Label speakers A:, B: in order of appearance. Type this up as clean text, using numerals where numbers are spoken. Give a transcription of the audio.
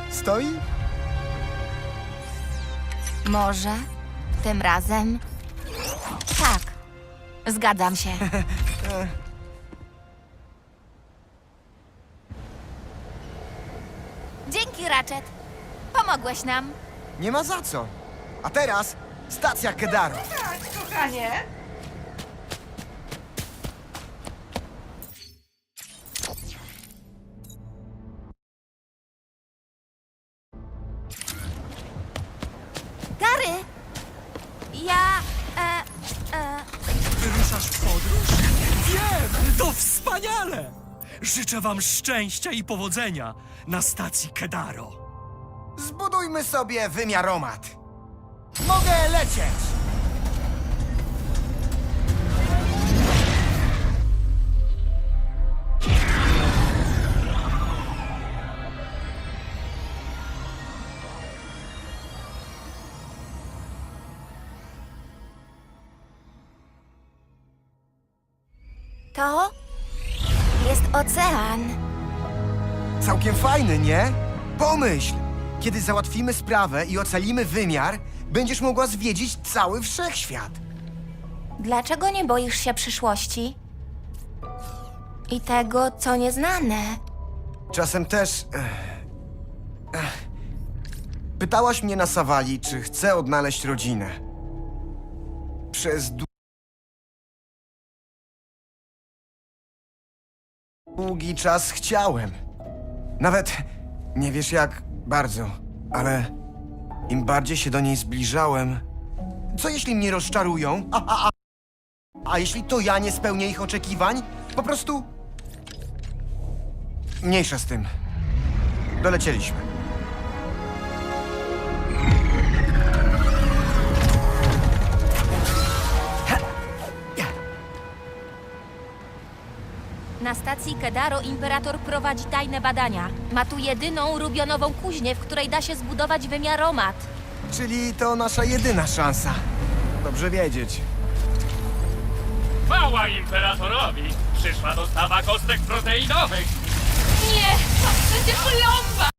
A: Stoi?
B: Może tym razem? Tak, zgadzam się. Dzięki, Ratchet. Pomogłeś nam.
A: Nie ma za co. A teraz stacja Kedaro.
C: Tak, kochanie.
B: Gary! Ja...
D: Wyruszasz w podróż? Wiem! To wspaniale! Życzę wam szczęścia i powodzenia na stacji Kedaro.
A: Zbudujmy sobie wymiaromat. Mogę lecieć!
B: To jest ocean.
A: Całkiem fajny, nie? Pomyśl! Kiedy załatwimy sprawę i ocalimy wymiar, będziesz mogła zwiedzić cały wszechświat.
B: Dlaczego nie boisz się przyszłości? I tego, co nieznane.
A: Czasem też... Pytałaś mnie na Sawali, czy chcę odnaleźć rodzinę. Przez długi czas chciałem. Nawet nie wiesz jak bardzo, ale im bardziej się do niej zbliżałem... Co jeśli mnie rozczarują? A jeśli to ja nie spełnię ich oczekiwań? Po prostu... Mniejsza z tym. Dolecieliśmy.
B: Na stacji Kedaro imperator prowadzi tajne badania. Ma tu jedyną rubionową kuźnię, w której da się zbudować wymiaromat.
A: Czyli to nasza jedyna szansa. Dobrze wiedzieć.
E: Chwała imperatorowi! Przyszła dostawa kostek proteinowych!
C: Nie, to przecież plomba!